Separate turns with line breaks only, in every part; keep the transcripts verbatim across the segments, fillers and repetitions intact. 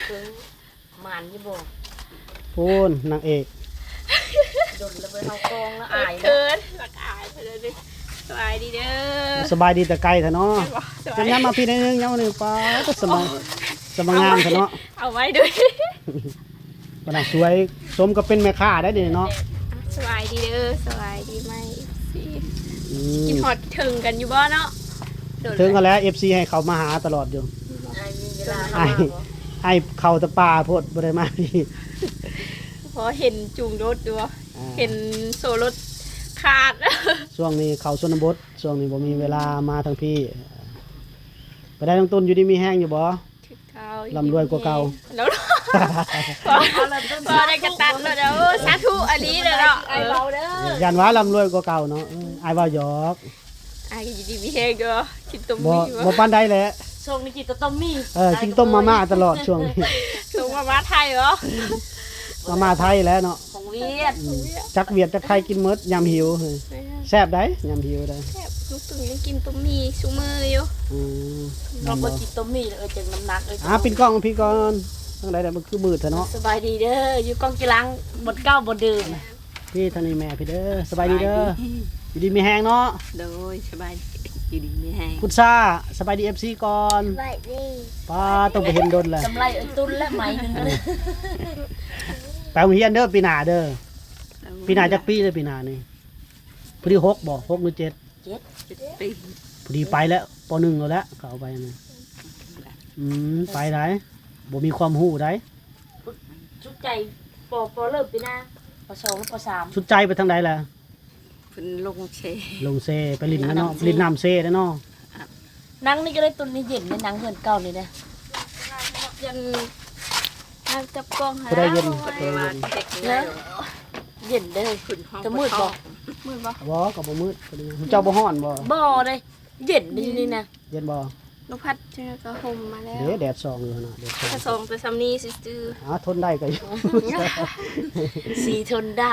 มันยี่บ่
พูนนางเอก
โดนระเบิดเข้ากองแล้วอาย
เกินหลักอายไปเลยดิสบายดีเด้อ
สบายดีแต่ไกลเถอะเนาะจะย้ำมาพี่ในนึงย้ำมาหนึ่งป้าก็สมองสมองงามเถอะเนาะ
เอาไว้ด้วย
ปนักสวยสมก็เป็นแม่ค้าได้เดี๋ยวเนาะ
สบายดีเด้อสบายดีไหมกินฮอตถึงกันอยู่บ่เนาะ
ถึงกันแล้วเอฟซีให้เขามาหาตลอดอยู่ไอ้ไอ้เขาตะปาพดบริมาพี่
พอเห็นจูงรถดูเห็นโซรถขาด
ช่วงนี้เขาชนบทช่วงนี้บ่มีเวลามาทางพี่ไปได้ทั้งต้นอยู่ดีมีแห้งอยู่บ่ลำรวยกว่าเก่า
แล้วพอพอได้กระตันแล้วเด้อสาธุอันนี้เด้อเนาะ
ไอ้เบาเด้อ
ยันว่าลำรวยกว่าเก่าเนาะไอ้ว่าหยอก
ไอ้อยู่ดีมีแห้งเด้อกินต้ม
มี่บ่บ่ปานใดแหละ
ช่วงนี้กินต้มมี่
เออกินต้มมาม่าตลอดช่วงนี้
ช่วงมาม่าไทยเหรอ
มาม่าไทยแล้วเนาะ
ของเวียด
จักเวียดจักไทยกินหมดยำหิวแซ่บได้ยำหิวได้
แซ่บลูกตึงยังกินต้มมี่ซุมื้ออยู่
อือ
เราบ่กินต้มมี่เออจังน้ำหนักเออ
อ่ะปิดกล้องพี่ก่อนจังได๋มันคือมืดซะเนาะ
สบายดีเด้ออยู่กองกีฬาบดเก้าบดดื่ม
พี่ทางนี้แม่พี่เด้อสบายดีเด้ออยู่ดีมีแฮงเนาะ
โดยสบายอยู่ดีมีแฮง
พุทธาสบายดี เอฟ ซี ก่อน
สบายดี
ป้าต้องไปเห็นดนแหละ
กำไรตุ้นและไหมนึงเลย
ไปโรงเรียนเด้อปีหน้าเด้อปีหน้าจักปีเด้อปีหน้านี่พอดีหกบ่หกหรือเจ็ด
เจ็ด เจ็ดปี
พอดีไปแล้วปหนึ่งแล้วแหละเขาเอาไปนี่อืมไปได้บ่มีความรู้ได้
ชุดใจปอปอเริ่มปีหน้าปสองปสาม
ชุดใจไปทางใดล่ะ
เพิ่นลงเซ
ลงเซไปลิ้นนะเนาะลิ้นน้ำเซได้เนาะ
นังนี่ก็ได้ตุนนี่เย็นในนังเฮือนเก่านี่นะ
ยันน้ำจับกล้องหา
ได้เย็น
ได้เย็นเย็นได้จะมืดบ่
มืดบ่
บ่ก็บ่มืดเจ้าบ่ฮ้อนบ่
บ่ได้เย็นดีนี่นะ
เย็นบ่
นกพัดเจอก็ห่มมาแล้ว
เด้แดดส่องอยู่นะแดด
ส่องส่องไปซ้ำนี้ซื่อ
ๆอ๋อทนได้ก็อยู่
สีทนได้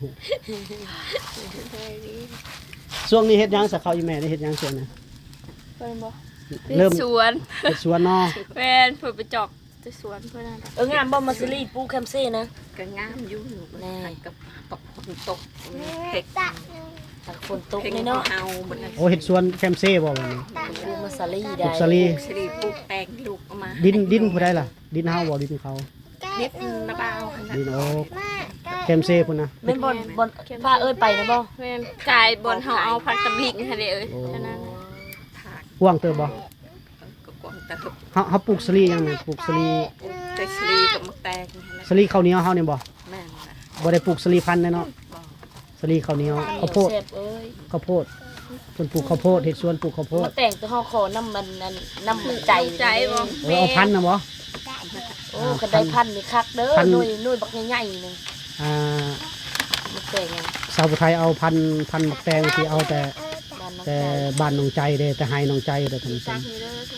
ช่วงนี้เฮ็ดหยังสักข้าวอีแม่ได้เฮ็ดหยังช่วงนี้
เพิ่นบ่เริ่มสวน
เฮ็ดสวนเนาะ
แม่นเพิ่นไปจอกที่สวนเพิ่นนั่น
เอองามบ่มาซิลีปูแคมเซ่นะ
ก็งามอยู่
แน่
กับกับฝนตก
เฮ็ดถ้าฝนตกนี่เนาะ
โอ้เฮ็ดสวนแคมเซ่บ่วันนี้
ปูมาซาลีได้
ปูซาลี
ซาลีปลูกแตงลูกออกมา
ดินดินผู้ใดล่ะดินเฮาบ่ดินเขา
ดินนาบ่าว
ดินโอ้แคมเซ่พุ่นนะ
แม่นบ่บ่พาเอ้ยไปนะบ่
แม่นกายบ่เฮาเอาผักตะลิงหั่นเด้เอ้ยฉะนั้น
กว้างเติบบ่
ก็กว้างเติบ
เฮาเฮาปลูกซาลียังไงปลูกซาลี
แต่ซาลีกับมะแตง
ซาลีข้าวเหนียวเฮานี่บ่
แม่น
บ่ได้ปลูกซาลีพันธุ์เนาะซาลีข้าวเหนียวข้าวโพดข้าวโพดเพิ่นปลูกข้าวโพดเฮ็ดสวนปลูกข้าวโพด
มาแต่งตัวเฮาขอน้ำมันน้ำใจ
ใจบ่
เออเอาพันธุ์น่ะบ่
โอ้คันได้พันธุ์นี่คักเด้อหน่วยหน่วยบักใหญ่ๆนึง
อ่า
มาแต่ง
ชาวไทยเอาพันพันบักแตงที่เอาแต่แต่บ้านน้องใจเด้แต่ให้น้องใจเด้อท่านผู้ชม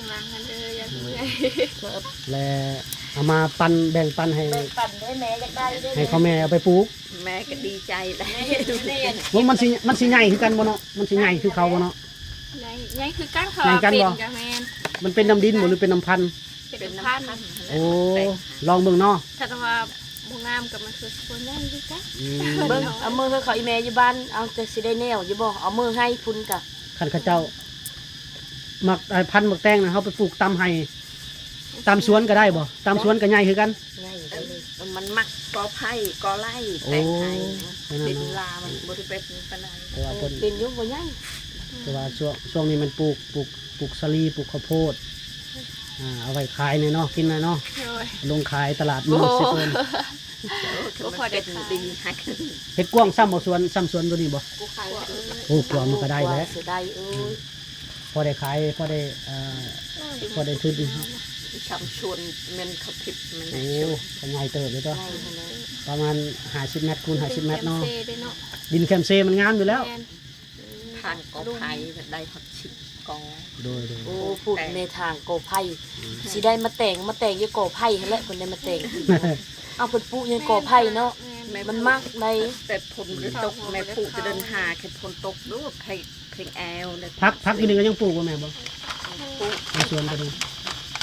และเอามาปั่นแบ่งปันให้
ปั่นได้แม่อยากได้ได้
ให้เขาแม่เอาไปปลูก
แม่ก็ดีใจแล้ว
ว่ามันสิมันสิใหญ่คือกันบ่เนาะมันสิใหญ่คือเขาบ่เนาะ
ใหญ่ใหญ่คือกันเขาเป็นกับแม่น
มันเป็นน้ำดินบ่หรือเป็นน้ำพันธุ์
เป็นน้ำพันธุ์
โอ้ลองเบิ่งเนาะ
ถ้าว่าบ่งามกับมันคือคนใหญ่คือกัน
เบิ่งเอามือเขาอีแม่อยู่บ้านเอาแต่สิได้แนวอยู่บ่เอามือให้พุ่นกะ
คันเขาเจ้ามักพันธุ์บักแตงนะเฮาไปปลูกตามให้ตามสวนก็ได้บ่ตามสวนก็ใหญ่คือกัน
ง่าย
มันมักกอไผ่กอไร่แตงไทยเป็นลามันบ่ได้เป็นปานใด
แต่ว่าเพิ่น
เป็นอยู่บ่ใหญ่
แต่ว่าช่วงช่วงนี้มันปลูกปลูกปลูกสาลีปลูกข้าวโพดอ่าเอาไว้ขายเนาะกินเนาะลงขายตลาดมื้อสิเพิ่น
ก็พอได้ดีฮัก
เฮ็ดกว้างซ้ำบ่สวนซ้ำสวนตัวนี้บ่โอ้กว้างมันก็ได้แล้ว
ได้เอ้ย
พอได้ขายพอได้เอ่อพอได้ทุน
ชำชวนมันเขาผิดมัน
โอ้ทำไงเติบเลยตัวประมาณห้าสิบเมตรคูณห้าสิบเมตรเนาะดินแคมเซ่มันงามอยู่แล้ว
ทางกอไผ่ได้หกสิบกอ
โดย
โอ้พูดในทางกอไผ่สิได้มาแต่งมาแต่งยี่กอไผ่หั่นแหละคนได้มาแต่งเอาเพิ่นปลูกยี่กอไผ่เนาะมันมากได้
แต่ฝนตกแม่ปลูกจะเดินหาแค่ฝนตกดูเพลงเพลงแอล
พักพักอีกนึงก็ยังปลูกบ่แม่บ่ปลูกในสวนก็ดี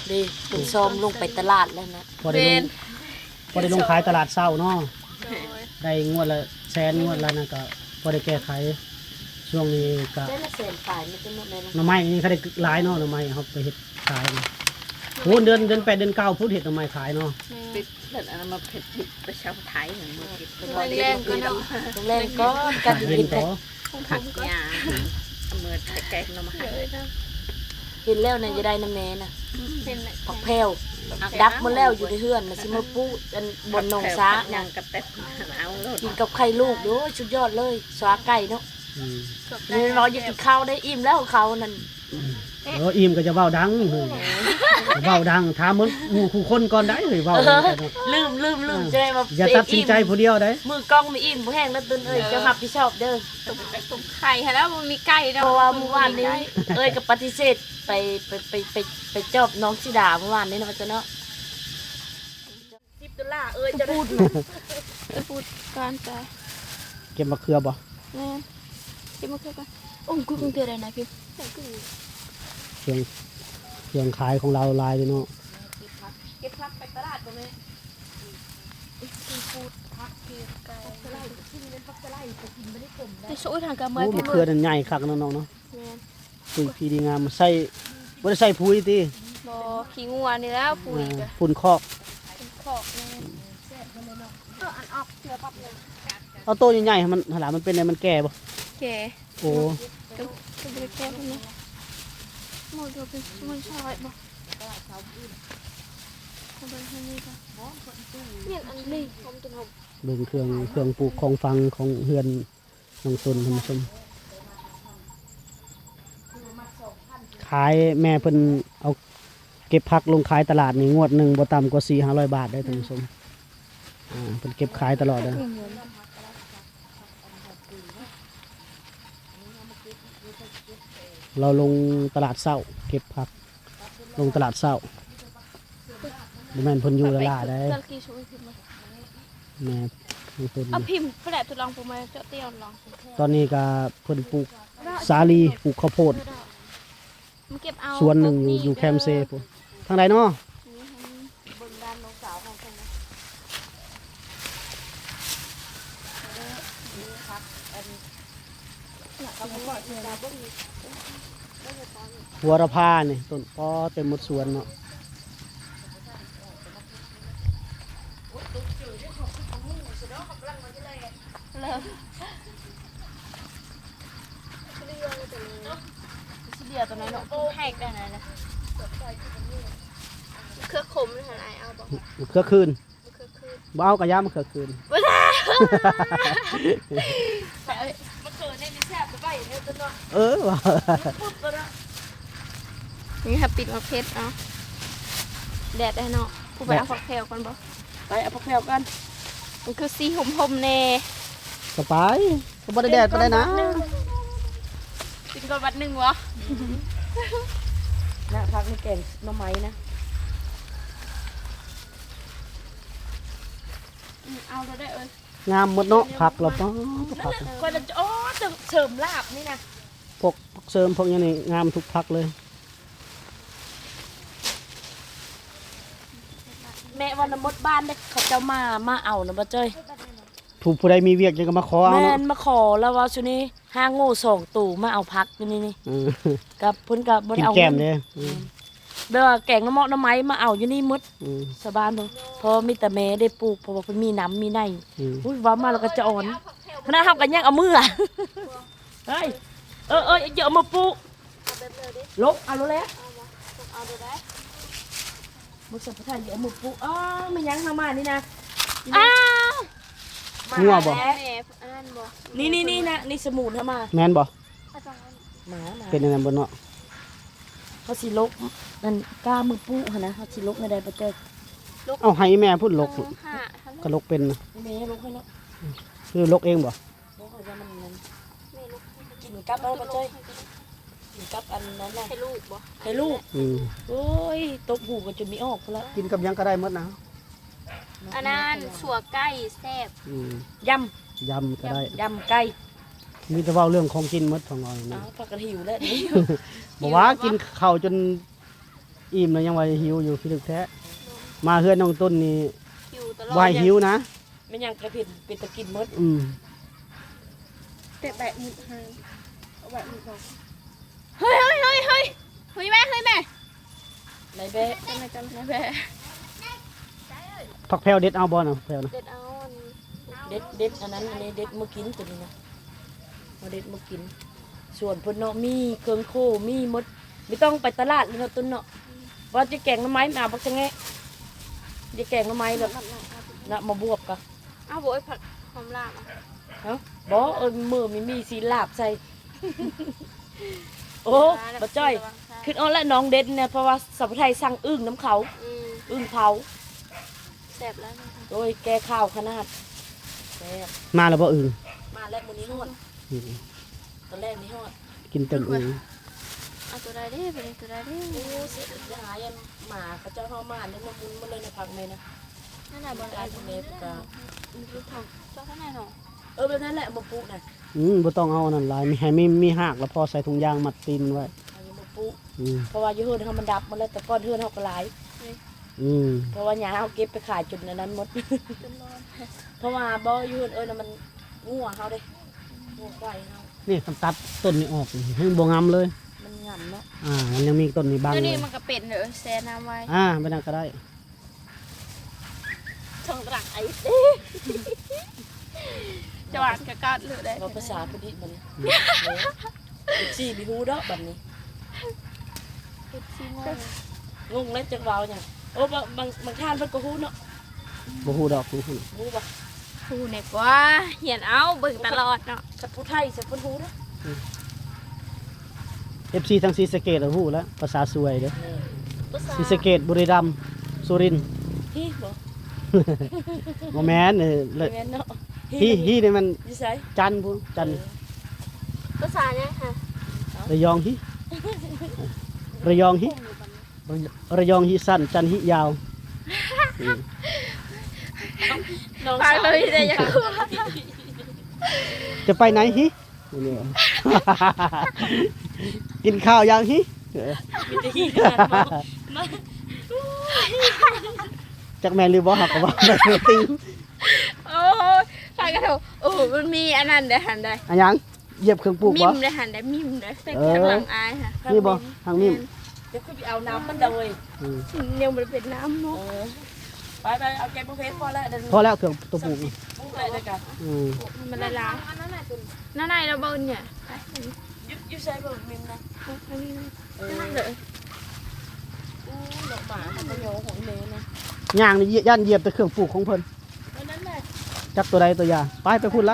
ดิคุณซ้อมลงไปตลาดแล้วนะ
พอได้ลงพอได้ลงขายตลาดเช้าเนาะได้งวดละแสนงวดละนั่นก็พอได้แก้ไขช่วงนี้ก็
ได้ละแสนฝ่ายไม่เป็นหมดเลย
หน่อไม้นี่เขาได้หลายเนาะหน่อไม้เขาไปเฮ็ดขายนี่โอ้เดือนเดือนแปดเดือนเก้าพุทธเฮ็ดหน่อไม้ขายเนาะ
ปิดเรื่องอันนั้นมาเผ็ดผิดประชาไทยเหมือนมือกิน
แรงก็เนาะแรงก็กั
ผั
น
ก
กิ
เล่น
นแต่
ต่อ
ผักยาเอามือแกงน้ำมัน
เห็นแล้วเนี่ยจะได้น้ำแม่น่ะ
เป็น
ผักแพรวดับหมดแล้วอยู่ในเฮือนน่ะสิมาปูอันบนหนองซ้า
ยั
น่ะ
งกับแต่เอาโลด
กินกับไข่ลูกโอ้ยสุดยอดเลยสวาไก่เนาะ
อืม
นี่รออยู่กินข้าวได้อิ่มแล้วเขานั่น
เอออิ่มก็จะเว้าดังเฮ้ยเว้าดังถามเหมือนหมู่คู่คนก่อนได้เฮ้ยเว้า
เอ
เนา
อะ ลืมลืมลืมจะได้มา
อย่าตัดสินใจผู้เดียวได้
มือกล้องไม่อิ่มบ่แห้งแล้วตุนเอ้ยจะรับผิดชอบเด้อ
ตุ่มตุ่มไข่ค่ะแล้วมันมีไก่
เพราะว่าเมื่อวานนี้เอ้ยกับปฏิเสธไปไปไปไปไปจอบน้องสิดาเมื่อวานนี้นะมันจะเนาะสิบดอลลาร์เอ้ยจะพูด
จะพูดการใจ
เก็บมะเขือบ่
แม่ที่มาเคือกันโอ้กูคงเตือนอะไรนะพี่
เครื่องเครื่องขายของเราหลายเลยเนาะ
เก็บพักไปตลาดบ่แม่
พูดพักเกี่ยวกับแต่ช่วยทางการเมือง
โอ้มะเขือนั่นใหญ่คักเนาะน้องเนาะ
แม่
ปุ๋ยพีดีงามใส่บ่ได้ใส่ปุ๋ยติ
บอขี้งัวนี่แล้วปุ๋ย
อ่า
กับ
ฝุ่นคอก
ขอกแม่เอออันออกเสือปั๊บเลย
เอาโตใหญ่ๆให้มันหลามันเป็นไงมันแก่บ่
แก่
โอ้
ก็ก็บริแก่คนนี้หมดเราเป็นมันชอยบ่เอาไปให้นี่ค่ะเนี่ยอันนี้ผมจะทำ
เบิ่งเครื่องเครื่องปลูกของฟังของเฮือนน้องตนท่านผู้ชมขายแม่เพิ่นเอาเก็บผักลงขายตลาดนี่งวดหนึงบ่ต่ำกว่า สี่ห้าร้อย บาทได้ท่านผู้ชมอ่าเพิ่นเก็บขายตลอดเด้อเราลงตลาดเช้าเก็บผักลงตลาดเช้าบ่แม่นเพิ่นอยู่ตลาดได้
ตะกี้ช่วยพิมพ์มา
แม่น้องตน
เอาพิมพ์แปลทดลองผมมาเจาะเตี้ยลอง
ตอนนี้ก็เพิ่นปลูกสาลีปลูกข้าวโพด
มันเก็บเอา
สวนหนึ่งอยู่อยู่แคมเซ่พุ่นทางใดเนาะ
เบิ่งด้านน้องสาวของเพิ่นนะนี่ครับอันก็บ่ว่าสิดาบ่มี
หัวระพานี่ต้นปอเต็มหมดสวนเนาะ
สิเดียตัวไหนเนาะ
ให้กันนะนะเครือขมเลยค่ะนายเอาบอก
มะเขือคืน
เครือคืน
บ่เอากระยามะเขือคืน
ว้า
มันเกิดในนี้แซ่บไปไปเนี่ยตัวเนาะ
เออว่ะ
ปุ๊บตัวเนาะ
นี่ค่ะปิดมะเพชรเนาะแดดได้เนาะผู้ไปเอาฝักแถวกันบ่
ไปเอาผักแพรวกัน
มันคือสีหอมๆแน่
สบายก็บ่ได้แดดปานใดนะ
กินก่อนวัดหนึ่งวะ
นะพักนี่แกงหน่อไม้นะ
เอาเราได้เอ้ย
งามหมดเนาะผักเราป้อผัก
คนละอ๋อจะเสริมลาบนี่นะ
พวกผักเสริมพวกนี้นี่งามทุกผักเลย
แม่วันมดบ้านได้เขาเจ้ามามาเอานะบ่เจ้ย
ถูกผู้ใดมีเวียกยังก็มาขอเอา
แม่
เนาะ
นมาขอแล้วว่าชุนี้ห้างโง่สองตู่มาเอาพักอยู่นี่นี่
เออ
กับเพิ่นกับบ่
กิ
ได้
น
เอา
แก้ม
เงิน
เด้อเออ
แบบว่าแกงน้ำเมาะน้ำไม้มาเอาอยู่นี่หมด
อืม
สบานเบิ่งเพราะมีแต่แม่ได้ปลูกเพราะว่าเพิ่นมีน้ำมีใน
อืม
อุ้ยว่ามาแล้วก็จะอ่อนพนักทำกันยังเอามืออะเฮ้ยเออเอออย่าเอามาปลูกลบเอาแล้วแหละ
เอาเราได้
มุสพทานอย่าเอามาปลูกอ๋อไม่ยั้งทำมานี่นะ
อ้าว
มา
งัวบ่
แล้ว
แม่อันนั้นบ่
นี่นี่นี่นะนี่สมุนทำมา
แม่นบ่
เอาจังนั้น
หมาหมา
เป็นอันนั้นบ่เนาะ
เขาสิลกนั่นกล้ามือปลูกหั่นนะเขาสิลกในใดประเจอ
เอาให้แม่พูดลก
สองห้าฮัลโหล
ก็ลกเป็นนะ
แม่ลกให้เนาะ
คือลกเองบ่
ลกให้ว่ามันนั่น
แม่ลูก
กินกับอะไรประเจอกินกับอันนั้นน่ะ
ให้ลูกบ่
ให้ลูก
อืม
โอ้ยตบหูกันจนมีออกพุ่นละ
กินกับหยังก็ได้หมดนะ
อันนั้นสัวไก่แซ่บ
อืม
ย
ยำก็ได้
ำยำไก่
มีแต่เว้าเรื่องของกินหมดของเรา
เอา
นะ
ปลากระหิวแล้วนี่
บอกว่ากินข้าวจนอิ่มแล้วยังว่าหิวอยู่พี่ลึกแท้มาเฮือนน้องต้นนี่
หิวตลอด
วายหิวนะ
ไม่ยังกระเพ็ดเป็นตะกินหมด
อืม
แต่แบะมือให้เอาแบะมือบอก
เฮ้ยเฮ้ยเฮ้ยเฮ้ยเฮ้ยแม่เฮ้ยแม่
ไรแบะ
จำไม่จำไม่แม่
ผักแพรวเด็ดเอาบ่น่ะแพรวนะ
เด็ดเอาอัน
เด็ดเด็ดอันนั้นอันนี้เด็ดมากินตัวนี้นะมาเด็ดมากิน ส่วนเพิ่นเนาะมีเครื่องโคมีหมดไม่ต้องไปตลาดเลยเนาะต้นเนาะว่าจะแกงหน้ำไม้มาบักจะแงะจะแกงหน้ำไม้แบบนะมาบวบกะ
เอาโบยผักหอมลาบอ่ะ
เอ้าบ่เอิ้นมือมีมีสีลาบใส่ โอ้บ่จ้อยขึ้นเอาละน้องเด็ดเนี่ยเพราะว่าสัพไทยสั่งอึ่งน้ำเขา
อืม
อึ่งเผา
แซ่บแล้วนะคะ
โดยแกข้าวขนาดแซ่บ
มาแล้วบ่อื่น
มาแล้วมื้อนี้ฮอด
อืม
ตอนแรกนี่ฮอด
กินเต็มอื่น
เอาตัวใดเด้ไปเลยตัวใดเด้
โอ้เสียจะหายันหมาเขาเจ้าเฮามาเนี่ยมามุนมาเลยในพักแม่นะ
นั่นน่ะบอล
ได้ทุเมตกะ
มันคือทองเจ้าข้างในหนอ
เออแบบนั้นแหละมาปลูกน่ะ
อืมบ่ต้องเอาอันนั้นหลายมีให้มีมีหากแล้วพอใส่ถุงยางมัดตีนไว้
อันนี้มาปลูก
อืม
เพราะว่าอยู่เฮือนเฮามันดับหมาแล้วแต่ก่อนเฮือนเฮาก็หลาย
อืม
เพราะว่าหญ้าเฮาเก็บไปขายจุดนั้นหมด
จนร้อน
เพราะว่าบ่อยู่เฮือนเอิ้นน่ะมันงัวเฮาเด้งัวควายเฮา
นี่คันตัดต้นนี้ออกนี่ให้บ่งามเลย
มันงํเนาะ
อ่ามันยังมีต้นนี้บาง
แล้ว
เล
นี่
ย
มันก็เป็นเด้อแซ่น้ำไว้
อ่าไม่น่าก็ได้
ช่องรักไอ้เด้จะหวานกะกัดหรือได้
เราภาษาพอดีบัดนี้เออสิมีฮู้ดอกบัดนี้
คิดซิโง่
งงแล้วจักเว้าหยังโอ้บางบางบางท่านเพิ่นก็ฮู้เนาะ
บ่ฮู้ดอกฮู้ฮู้
ฮู้บ่
ผู้เนี่ยกว่าเหียนเอาเบิ่งตลอดเนาะ
คันผู้ไทยสิเพิ่นฮู้เด้อ
เอฟซีทางศรีสะเกษฮู้แล้วภาษาสวยเด้อ
นี่
ภาษา
ศรีสะเกษบุรีรัมย์สุรินทร์
ฮีบ่
บ่แม่นเออ
แม่นเนาะ
ฮีฮีนี่มัน
อยู่ไส
จันทร์พูนจันทร์
ภาษาเนี่ยค่ะ
ระยองฮีระยองฮีระยองฮีสั้นจันทร์ฮียาวอืม
น้อง
ฟัง
สาว
เลยแต่ยังกลัว
จะไปไหนฮีนี่ กินข้าวยังฮีเออ
มีแต่ฮีกันเนาะมา
จักแม่นหรือบ่ฮักก็บ่ได้ติง
โอ้ยฟังกันเถอะโอ้มันมีอันนั้นได้หันได้
อันยังเหยียบเครื่องปลูก
มิ
บ่
มได้หันได้มิมได้แต่
เออ
ข้างหลังอายค่ะ
นี่บ่ทางนี้
เดี๋ยวคือไปเอาน้ำมันเดย
อืม
เนี่ยมันเป็นน้ำ
เอ
เนาะ
อไปไปเอาแกงบุฟเฟ่ต์พอแล้วเดี๋ยว
พอแล้วเครื่องตัวปลูกนี่
ปลูกเลยด้วยกัน
อืม
มันละลายนั่นไหนเราเบิ่งเนี่ยไป
ยุบยุบใช้เบอร์มิมนะ
อันนี้
เออ
นั่นเลย
อู้หลอกหมามันก็โยของเมย์นะ
ย่างนี่ย่านเหยียบแต่เครื่องปลูกของเพิ่น
เพราะนั้นแหละ
จักตัวใดตัวยาไปไปพูดละ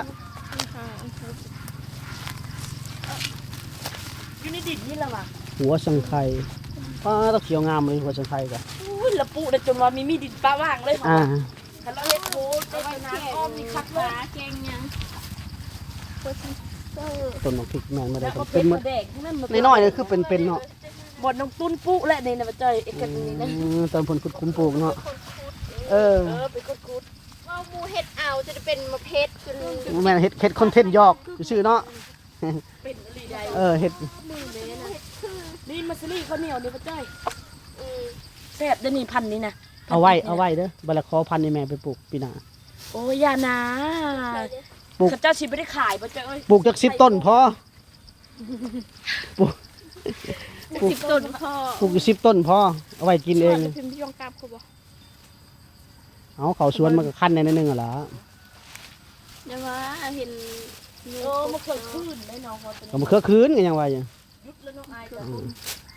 อยู่ในดินนี่แหละว่ะ
หัวสังไข่ป้าตะเขียวงามเลยหัวสังไข่กะ
อู้ละปุได้จนว่ามีมีดินปลาว่างเลย
อ่า
ถ้าเราเฮ็ดโหได้ไปน้ำอ้อมนี่คักเลย
เก่งยังโคตรเซอร์
ต้นมะพริกแม่นมาได้
แล้ว
ก็
ก็
เป็
เป็น น
หม
มะ
ด
แดงนั่นมัน
น้อยๆนี่คือเป็นเป็นเนาะ
บดน้องตุ้นปุ๊และนี่นะมาเจอเอกกันนี่นะ
อืมตอนเพิ่นขุดคุ้มปลูกเนาะเออ
เออไปกดกุด
ว่าหมูเห็ดเอาจะเป็นมะเพชรจน
แม่นเฮ็ดเฮ็ดคอนเทนต์ยอกชื่อเนาะ
เป็นอะไรใด
เออเฮ็ด
มือเลยนะ
นี่มาซรี่ข้าวเหนียวนี่มาเจอ
อืม
แซ่บเด้อนี่พันนี่นะ
เอาไว้เอาไว้เด้อบัดละขอพันธุ์ให้แม่ไปปลูกปีหน้า
โอ้ยอย่านะ
ปลูก
ข้าเจ้าชิไม่ได้ขายมาเจอเอ้ย
ปลูกจักสิบต้นพอปลูกปลูก
สิบต้นพ่อ
ปลูกอยู่สิบต้นพอเอาไว้กินเอง
จะพิมพ์ยองกลับเขาบอก
เอาเขาสวนมันก็คั้นในนิดนึงอ่ะล่ะ
เดี๋ยวว่าเห็น
เออมาเคยขึ้นได้น้องเขาเป็น
ก็มาเครือคืนก็ยังว่าอยู่
ยุดแล้วน้องอายจ้ะ
อืม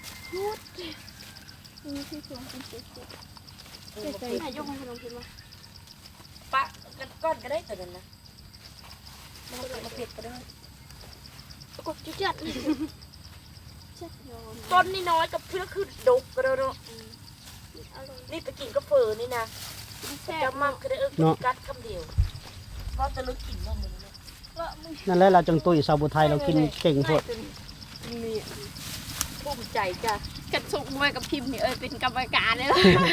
มีที่สวนเป็นเจ็ดเจ็ด
เออ
เจ็ด
มา
ใจ
เก็บ
ยกให้ขนมพิมพ์มา
ปะกันก้อนก็ได้แต่นั้นนะมาเก็บมาเก็บก็ได้
กดจุดจัดนี่จัดยอม
ต้นนี่น้อยกับเพื่อคือดกก็ได้เนาะ
อร่อย
นี่ไปกินกาแฟนี่นะ
แซ่บ
จะมั่งก็ได้เออกินกัดคำเดียวก็จะลึกกินว่ามึงเนี่ย
ว่ามึง
นั่นแหละเราจังตุ้ยสาวบุไทยเรากินเก่งโพด
นี่ภูมิใจจ้ะ
กระสุกมวยกับพิมพ์นี่เอ้ยเป็นกรรมการเลย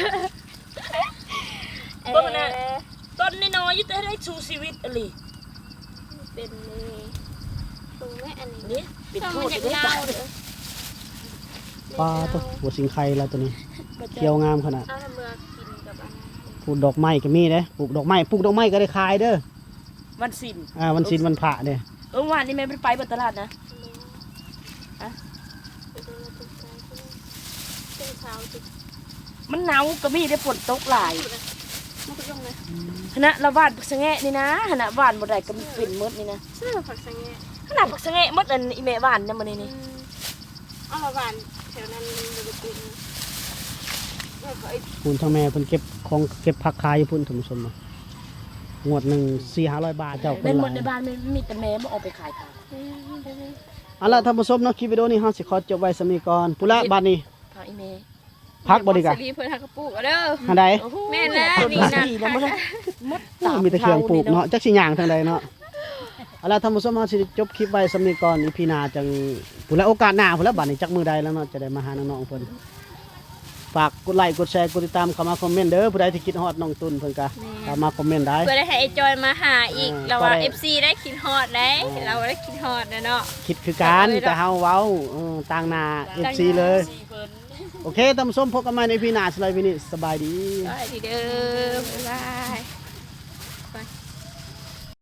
เบิ่งนะต้นนี่น้อยอยิ่งได้ชูชีวิตอะไร
เป็นนี่ตรงแม่อันนี้
นี่เป็น
ทำ
โท
มัน
ษ
อยาก
ได้
เล่า
ป่ะ
เด้อ
ปลาตัวหัวสิงไข่เราตัวนี้
เ
บ่แจ้
เขียวงามขนาด
เอาละเมือกินกับอันนั้น
ปลูกดอกไม้ก็มีเด้ปลูกดอกไม้ปลูกดอกไม้ก็ได้ขายเด้อ
วันสิ้น
อ่าวันศีลวันพระเด้
เออวานนี้แม่ไปบ่ตลาดนะ
อะไปดูแลตุ๊กตาใช่ไหมเป็นเช้าจุด
มันหนาวก็มีได้ฝนตกหลาย
มันก็ลงเลย
คณะละวาดผักสะแงะนี่นะคณะวานบ่ได้ก็มีเป็นหมดนี่นะ
เสื้อผักสังเกต
ขนาดผักสะแงะหมดอันอีแม่วานนำมื้อนี้นี่
เอาละหวานแถวนั้นมันจะเป็นแล้วก็ไอ้
คุณทั้งแม่เพิ่นเก็บของเก็บผักขายอยู่พุ่นท่านผู้ชมนะงวดหนึ่งสี่ห้าร้อยบาทเจ้าค
แม่
น
น
ห
หม
ลา
ด
ย
ในบ้านมันมีแต่แม่บ่เอาไปขายทาง
เอาล่ะท่านผู้ชมเนาะคลิปวิดีโอนี้เฮาสิขอจบไว้สำนี้ก่อนปุระบัดนี้
พาอีแม่
พักบ่ดีกะ
ซีรีส์เพิ่นหักกระปุกเอาเด้อ
อันใด
โอ้โห
แม่นแล้ว
ต้
นี่นะ
ดีนะมันมด
โอ้มีแต่เครื่องปลูกเนาะจักสิย่างทางใดเนาะเอาล่ะท่านผู้ชมเฮาสิจบคลิปไว้สำนี้ก่อนอีพีหน้าจังปุระโอกาสหน้าพุ่นละบัดนี้จักมื้อใดแล้วเนาะจะได้มาหาน้องๆเพิ่นฝากกดไลค์กดแชร์กดติดตามเข้ามาคอมเมนต์เด้อผู้ใดที่คิดฮอดน้องตุนเพิ่นก็เข้ามาคอมเมนต์ได้
เพื่อได้ให้ไอ้จอยมาหาอีก
เออ
เราว่า
ก็ได้
เอฟซีได้คิดฮอดได้
เออ
เราได้คิดฮอดนะเนาะ
คิดคือกัน
เออ
แต่เฮาเว้าเออต่างหน้า เอฟ ซี เลย
สี่เพิ่น
โอเคท่านผู้ชมพบกันใหม่ในพีหน้าสไลด์วินิสบายดี
ก็ดีเด้อบ๊ายบาย